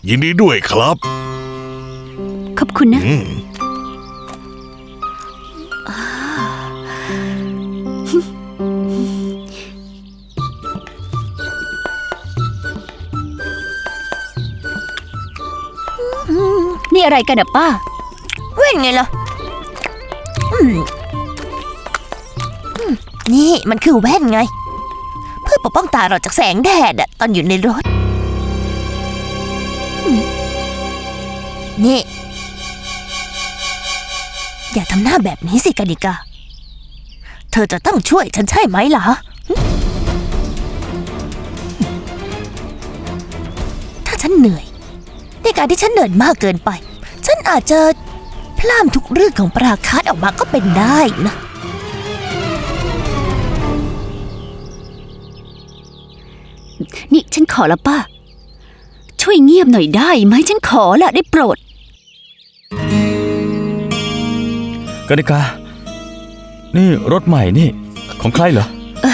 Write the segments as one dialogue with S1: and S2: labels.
S1: ยินดีด้วยครับ
S2: ขอบคุณนะนี่อะไรกันอะป้า
S3: แว่นไงล่ะนี่มันคือแว่นไงเพื่อปกป้องตาเราจากแสงแดดตอนอยู่ในรถนี่อย่าทำหน้าแบบนี้สิกานิกาเธอจะต้องช่วยฉันใช่ไหมล่ะถ้าฉันเหนื่อยในการที่ฉันเหนื่อยมากเกินไปฉันอาจจะพล่ามทุกเรื่องของปราคาสออกมาก็เป็นได้นะ
S2: นี่ฉันขอละป้าช่วยเงียบหน่อยได้ไหมฉันขอละได้โปรด
S4: กนิกานี่รถใหม่นี่ของใครเหรอ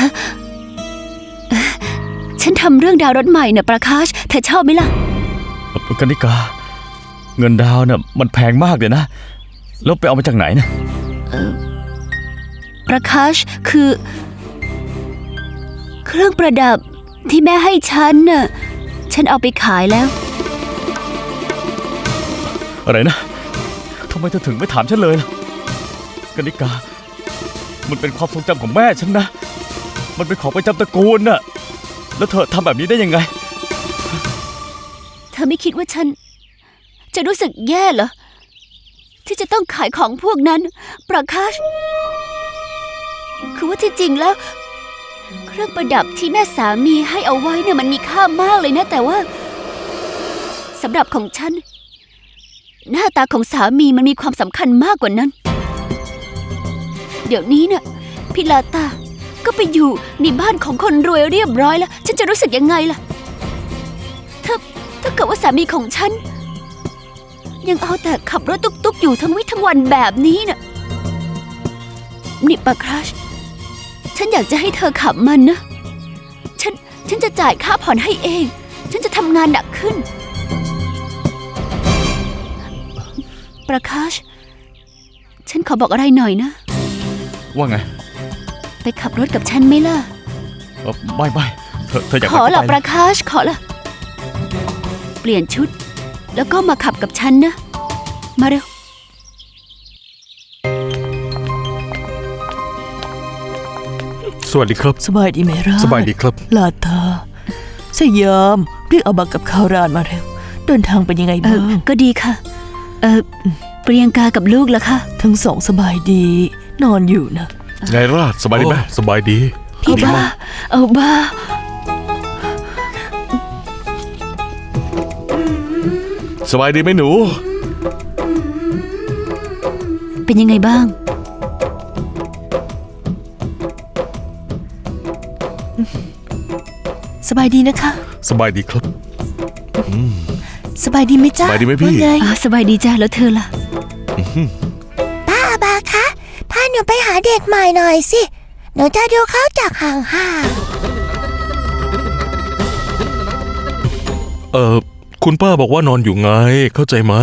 S2: ฉันทำเรื่องดาวรถใหม่น่ะประคาชเธอชอบไหมล่ะ
S4: กนิกาเงินดาวน่ะมันแพงมากเลยนะแล้วไปเอามาจากไหนเนี่ย
S2: ประคาชคือเครื่องประดับที่แม่ให้ฉันน่ะฉันเอาไปขายแล้ว
S4: อะไรนะทำไมเธอถึงไม่ถามฉันเลยล่ะกนิกามันเป็นความทรงจำของแม่ฉันนะมันเป็นของประจำตระกูลน่ะแล้วเธอทำแบบนี้ได้ยังไง
S2: เธอไม่คิดว่าฉันจะรู้สึกแย่เหรอที่จะต้องขายของพวกนั้นประคาชคือว่าที่จริงแล้วเครื่องประดับที่แม่สามีให้เอาไว้เนี่ยมันมีค่ามากเลยนะแต่ว่าสำหรับของฉันหน้าตาของสามีมันมีความสำคัญมากกว่านั้นเดี๋ยวนี้เนี่ยพี่ลาตาก็ไปอยู่ในบ้านของคนรวยเรียบร้อยแล้วฉันจะรู้สึกยังไงล่ะถ้าเกิดว่าสามีของฉันยังเอาแต่ขับรถตุ๊กๆอยู่ทั้งวี่ทั้งวันแบบนี้น่ะนี่ปาคราชฉันอยากจะให้เธอขับมันนะฉันจะจ่ายค่าผ่อนให้เองฉันจะทำงานหนักขึ้นปาคราชฉันขอบอกอะไรหน่อยนะ
S4: ว่าไง
S2: ไปขับรถกับฉันไหมล่ะ
S4: ไม่เธออยาก
S2: ขอละปาคราชขอละเปลี่ยนชุดแล้วก็มาขับกับฉันนะมาเร็ว
S1: สวัสดีครับ
S5: สบายดีไหมร่า
S1: สบายดีครับ
S5: ลาตาสยามเรียกเอาบักกับข้าวราดมาเร็วเดินทางเป็นยังไงบ้าง
S2: ก็ดีค่ะเปรียงกากับลูกล่ะคะ
S5: ทั้งสองสบายดีนอนอยู่นะ
S1: ไงราชสบายดีไหมสบายดี
S2: พี่บ้าเอาบ้า
S1: สบายดีไหมหนู
S2: เป็นยังไงบ้าง
S5: สบายดีนะคะ
S1: สบายดีครับ
S5: สบายดีไหมจ๊ะ
S1: สบายดีไหมพี่
S2: สบายดีจ้ะแล้วเธอล่ะ
S3: ป้าบาคะพาหนูไปหาเด็กใหม่หน่อยสิหนูจะดูเขาจากห่าง
S1: ๆคุณป้าบอกว่านอนอยู่ไงเข้าใจไหม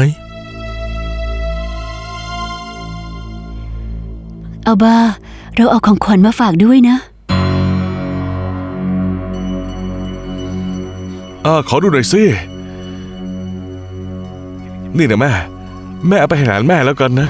S2: เอาบ้าเราเอาของขวัญมาฝากด้วยนะ
S1: ขอดูหน่อยสินี่นะแม่เอาไปให้หลานแม่แล้วกันนะ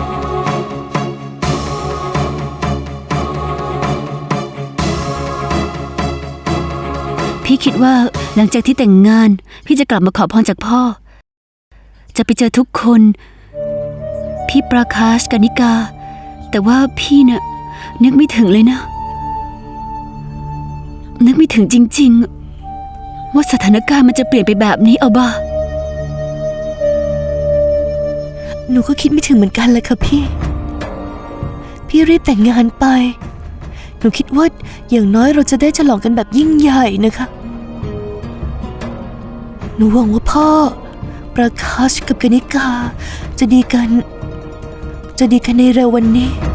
S2: พี่คิดว่าหลังจากที่แต่งงานพี่จะกลับมาขอพรจากพ่อจะไปเจอทุกคนพี่ประคาชกนิกาแต่ว่าพี่เนี่ยนึกไม่ถึงเลยนะนึกไม่ถึงจริงๆว่าสถานการณ์มันจะเปลี่ยนไปแบบนี้เอาบ้า
S5: หนูก็คิดไม่ถึงเหมือนกันเลยค่ะพี่รีบแต่งงานไปหนูคิดว่าอย่างน้อยเราจะได้ฉลองกันแบบยิ่งใหญ่นะคะหนูหวังว่าพ่อประคาชกับกนิกาจะดีกันในเร็ววันนี้